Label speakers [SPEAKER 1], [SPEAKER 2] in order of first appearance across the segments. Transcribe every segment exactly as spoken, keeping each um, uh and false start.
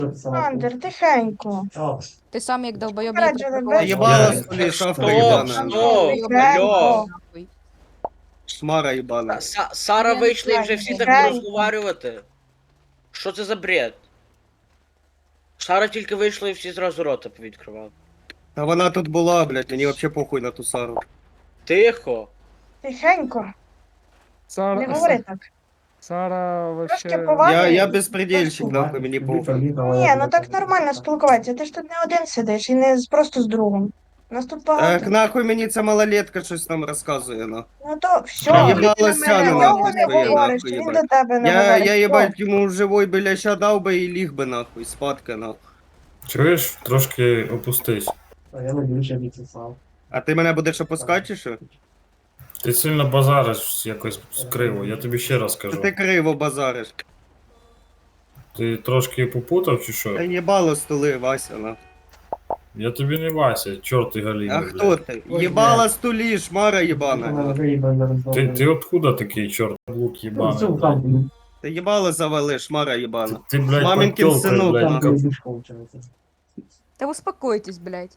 [SPEAKER 1] Андер, тихенько.
[SPEAKER 2] Ти сам як долбойоб її
[SPEAKER 1] Попереджили,
[SPEAKER 2] припаркував.
[SPEAKER 1] без-
[SPEAKER 3] Ебало,
[SPEAKER 4] Я-
[SPEAKER 3] столі, шавка
[SPEAKER 5] Стоп,
[SPEAKER 3] ебана.
[SPEAKER 5] стоп,
[SPEAKER 1] Тихенько.
[SPEAKER 5] алло.
[SPEAKER 2] Нахуй.
[SPEAKER 3] Шмара ебана.
[SPEAKER 5] Са- Сара вийшла і вже всі так
[SPEAKER 1] Тихенько.
[SPEAKER 5] розговорювати. Що це за бред? Сара тільки вийшла і всі зразу рота повідкривали.
[SPEAKER 3] Та вона тут була, блядь, мені вообще похуй на ту Сару.
[SPEAKER 5] Тихо.
[SPEAKER 1] Тихенько. Не
[SPEAKER 4] Сара,
[SPEAKER 1] говори так.
[SPEAKER 4] Сара
[SPEAKER 1] Трошки
[SPEAKER 4] вообще...
[SPEAKER 1] поваги.
[SPEAKER 3] Я, я безпредельщик, нахуй, мені похуй.
[SPEAKER 1] Ні, ну так нормально спілкуватися. Ти ж тут не один сидиш і не з- просто з другом. Нас тут
[SPEAKER 3] Так
[SPEAKER 1] багато.
[SPEAKER 3] нахуй мені ця малолетка щось там розказує, ну.
[SPEAKER 1] Ну то все,
[SPEAKER 3] Їбало
[SPEAKER 1] ти на
[SPEAKER 3] сяне,
[SPEAKER 1] мене
[SPEAKER 3] нахуй,
[SPEAKER 1] нього не
[SPEAKER 3] своє,
[SPEAKER 1] говориш,
[SPEAKER 3] нахуй,
[SPEAKER 1] він
[SPEAKER 3] їбать.
[SPEAKER 1] до тебе не
[SPEAKER 3] Я,
[SPEAKER 1] говорить.
[SPEAKER 3] я
[SPEAKER 1] Все.
[SPEAKER 3] їбать йому живой біляща дав би і ліг би нахуй, спадка нахуй.
[SPEAKER 6] Чуєш, трошки опустись.
[SPEAKER 7] Я не більше відсосав.
[SPEAKER 3] А ти мене будеш опускати чи що?
[SPEAKER 6] Ти сильно базариш якось криво, я тобі ще раз
[SPEAKER 3] Та
[SPEAKER 6] кажу.
[SPEAKER 3] ти криво базариш.
[SPEAKER 6] Ти трошки попутав чи що?
[SPEAKER 3] Та їбало столи, Вася, нахуй.
[SPEAKER 6] Я тобі не Вася, чорт і галіна.
[SPEAKER 3] А хто ти? Їбала столі, шмара їбана.
[SPEAKER 6] Ти, ти откуда такий чорт лук
[SPEAKER 7] Ну,
[SPEAKER 6] їбаний? блядь?
[SPEAKER 3] Ти їбало завали, шмара їбана.
[SPEAKER 6] Ти, блядь,
[SPEAKER 3] Мамінкин
[SPEAKER 6] подтёлка,
[SPEAKER 3] синок,
[SPEAKER 6] блядь,
[SPEAKER 3] нахуй.
[SPEAKER 6] как-
[SPEAKER 2] Та успокойтесь, блядь.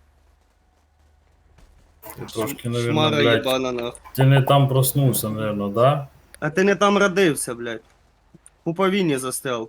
[SPEAKER 6] Ти трошки, наверное,
[SPEAKER 3] Шмара
[SPEAKER 6] блядь,
[SPEAKER 3] їбана, нахуй.
[SPEAKER 6] ти не там проснувся, наверное, да?
[SPEAKER 3] А ти не там родився, блядь. У повінні застрял.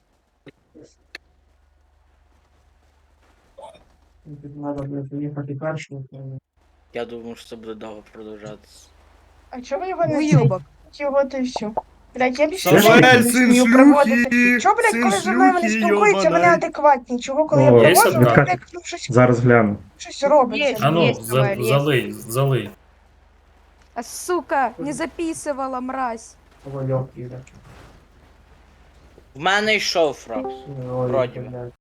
[SPEAKER 7] Треба буде поїхати першим.
[SPEAKER 5] Я думаю, що це буде довго продовжатися.
[SPEAKER 1] А чого ви його не
[SPEAKER 2] Уйобок.
[SPEAKER 1] цініть? Його ти все. Блядь, я більше
[SPEAKER 3] Самуель,
[SPEAKER 1] не
[SPEAKER 3] син
[SPEAKER 1] вмію проводити.
[SPEAKER 3] шлюхи,
[SPEAKER 1] Чого, блядь,
[SPEAKER 3] син
[SPEAKER 1] коли зі мною вони
[SPEAKER 3] шлюхи,
[SPEAKER 1] спілкуються, вони
[SPEAKER 3] йобаний.
[SPEAKER 1] адекватні? Чого, коли я
[SPEAKER 6] О, є
[SPEAKER 1] проводжу, вони,
[SPEAKER 6] собака?
[SPEAKER 1] блядь, ну, щось,
[SPEAKER 8] Зараз гляну.
[SPEAKER 1] щось робиться.
[SPEAKER 2] Є.
[SPEAKER 6] А ну,
[SPEAKER 2] Есть,
[SPEAKER 6] за,
[SPEAKER 2] давай, есть.
[SPEAKER 6] залий, залий.
[SPEAKER 2] А сука, не записывала, мразь.
[SPEAKER 7] Вольок їде.
[SPEAKER 5] В мене йшов фраг. Вроді би.